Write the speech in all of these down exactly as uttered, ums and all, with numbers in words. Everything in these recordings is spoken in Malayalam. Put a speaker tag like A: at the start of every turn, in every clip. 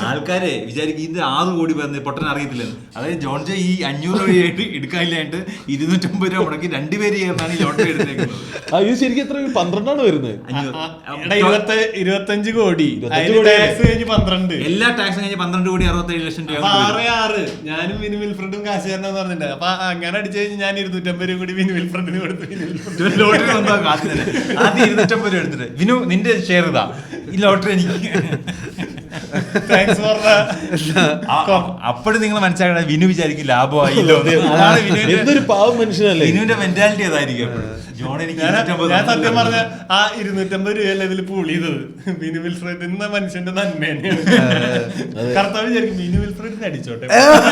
A: ആൾക്കാരെ വിചാരിക്കും ഇത് ആറ് കോടി പറഞ്ഞ് പൊട്ടൻ അറിയത്തില്ലെന്ന്. അതായത് ജോൺ ജെ ഈ അഞ്ഞൂറ് രൂപയായിട്ട് എടുക്കാനില്ലായിട്ട് ഇരുന്നൂറ്റമ്പത് രൂപ മുടക്കി രണ്ടുപേര് ചേർന്നാണ് ഈ ലോട്ടറി എടുത്തേക്കുന്നത്.
B: ഇത് ശരിക്കും എത്ര പന്ത്രണ്ടാണ് വരുന്നത്?
C: ഇരുപത്തഞ്ച് കോടി ടാക്സ് കഴിഞ്ഞ് പന്ത്രണ്ട്,
A: എല്ലാ ടാക്സും കഴിഞ്ഞ് പന്ത്രണ്ട് കോടി അറുപത്തേഴ് ലക്ഷം രൂപ.
C: ആറ് ആറ് ഞാനും വിനു വിൽഫ്രണ്ടും കാശ് തരണം പറഞ്ഞിട്ടുണ്ട്. അപ്പൊ അങ്ങനെ അടിച്ചു കഴിഞ്ഞ് ഞാൻ ഇരുന്നൂറ്റമ്പത് രൂപ കൂടി വിനു വിൽഫ്രണ്ടിന് കൊടുത്തു.
A: ലോട്ടറി വന്നോ കാശ് ആദ്യം ഇരുന്നൂറ്റമ്പത് രൂപ എടുത്തിട്ട് വിനു നിന്റെ ഷെയർ ഇതാ, ഈ ലോട്ടറി എനിക്ക്. അപ്പോഴും നിങ്ങൾ മനസ്സിലാക്കണം വിനു വിചാരിക്കും ലാഭമായില്ലോ.
B: എന്തൊരു പാവം മനുഷ്യനല്ലേ.
A: വിനുവിന്റെ മെന്റാലിറ്റി അതായിരിക്കും.
C: ഞാൻ സത്യം പറഞ്ഞ ആ ഇരുന്നൂറ്റമ്പത് രൂപയല്ല ഇതിൽ പൂൾ ചെയ്തത് വിനു വിൽഫ്രഡ് എന്ന മനുഷ്യന്റെ നന്മ തന്നെയാണ്. കർത്താവ് വിചാരിക്കും വിനു വിൽഫ്രഡിനെ അടിച്ചോട്ടെ,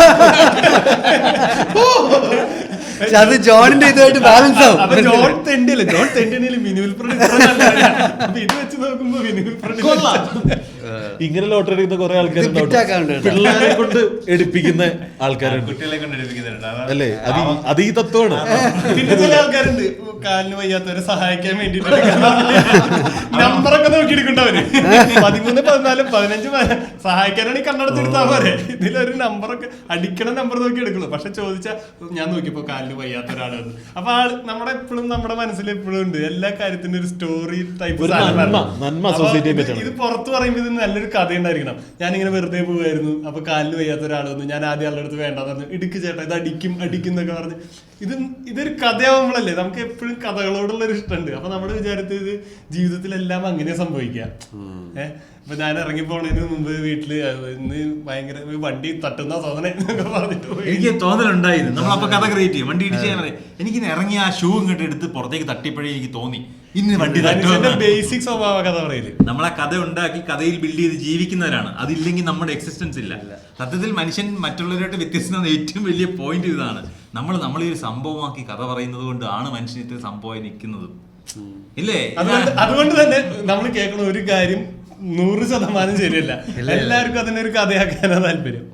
D: അത് ജോണിന്റെ ഇതുമായിട്ട് ബാലൻസ് ആവും.
C: അപ്പൊ ജോൺ തെണ്ടിയല്ലേ, ജോൺ തെണ്ടിയാലും വിനു വിൽഫ്രഡ് ഇത് വെച്ച് നോക്കുമ്പോ വിനു വിൽഫ്രഡ്
B: ഇങ്ങനെ ലോട്ടറി എടുക്കുന്ന കുറെ ആൾക്കാരുണ്ട്, പിള്ളേരെ കൊണ്ട് എടുപ്പിക്കുന്ന ആൾക്കാരുണ്ട്,
A: കുട്ടികളെ കൊണ്ട് എടുപ്പിക്കുന്നുണ്ട്
B: അല്ലേ? അത് അത് ഈ തത്വമാണ്.
C: പിന്നെ ചില ആൾക്കാരുണ്ട് കാലിന് വയ്യാത്തവരെ സഹായിക്കാൻ വേണ്ടിട്ട് നമ്പറൊക്കെ നോക്കി എടുക്കണ്ടവര് പതിമൂന്ന് പതിനാല് പതിനഞ്ച് സഹായിക്കാനാണ് ഈ കണ്ണടച്ചെടുത്താൽ പോരെ. ഇതിലൊരു നമ്പറൊക്കെ അടിക്കണ നമ്പർ നോക്കി എടുക്കുള്ളൂ. പക്ഷെ ചോദിച്ചാൽ ഞാൻ നോക്കിയപ്പോ കാലിന് വയ്യാത്ത ഒരാളാണ്. അപ്പൊ ആള് നമ്മുടെ എപ്പോഴും നമ്മുടെ മനസ്സിൽ എപ്പോഴും ഉണ്ട് എല്ലാ കാര്യത്തിനും ഒരു സ്റ്റോറി ടൈപ്പ്. ഇത് പുറത്ത് പറയുമ്പോൾ ഇത് നല്ലൊരു കഥ ഉണ്ടായിരിക്കണം. ഞാനിങ്ങനെ വെറുതെ പോവായിരുന്നു, അപ്പൊ കാലിന് വയ്യാത്ത ഒരാൾ വന്നു, ഞാൻ ആദ്യം ആളുടെ അടുത്ത് വേണ്ടെന്ന് പറഞ്ഞു, ഇടുക്ക് ചേട്ടാ ഇത് അടിക്കും അടിക്കും എന്നൊക്കെ പറഞ്ഞ്. ഇത് ഇതൊരു കഥയാവുമ്പോഴല്ലേ നമുക്ക് എപ്പോഴും കഥകളോടുള്ള ഒരു ഇഷ്ടമുണ്ട്. അപ്പൊ നമ്മുടെ വിചാരത്തിൽ ഇത് ജീവിതത്തിലെല്ലാം അങ്ങനെ സംഭവിക്കാം. ഏഹ് ഇപ്പൊ ഞാൻ ഇറങ്ങി പോണതിന് മുമ്പ് വീട്ടില് ഇന്ന് ഭയങ്കര വണ്ടി തട്ടുന്ന തോന്നണേ എന്നൊക്കെ പറഞ്ഞിട്ട്
A: എനിക്ക് തോന്നലുണ്ടായിരുന്നു. നമ്മളപ്പോ കഥ ക്രിയേറ്റ് ചെയ്യും. വണ്ടി ഇടിച്ച് ഞാൻ പറയും എനിക്കിന്ന് ഇറങ്ങി ആ ഷൂ ഇങ്ങോട്ട് എടുത്ത് പുറത്തേക്ക് തട്ടിയപ്പോഴേ എനിക്ക് തോന്നി ഇന്ന് വണ്ടി തട്ടുമെന്ന്.
C: ബേസിക് സ്വഭാവ കഥ പറയില്ല.
A: നമ്മളാ കഥ ഉണ്ടാക്കി കഥയിൽ ബിൽഡ് ചെയ്ത് ജീവിക്കുന്നവരാണ്. അതില്ലെങ്കിൽ നമ്മുടെ എക്സിസ്റ്റൻസ് ഇല്ല. സത്യത്തിൽ മനുഷ്യൻ മറ്റുള്ളവരായിട്ട് വ്യത്യസ്തമായ ഏറ്റവും വലിയ പോയിന്റ് ഇതാണ്. നമ്മൾ നമ്മളെ ഒരു സംഭവമാക്കി കഥ പറയുന്നത് കൊണ്ടാണ് മനുഷ്യൻ ഇത്ര സംഭവമായി നിൽക്കുന്നത്, ഇല്ലേ?
C: അതുകൊണ്ട് തന്നെ നമ്മൾ കേൾക്കുന്ന ഒരു കാര്യം നൂറ് ശതമാനം ശരിയല്ല. എല്ലാവർക്കും അതിനൊരു കഥയാക്കാനാ താല്പര്യം.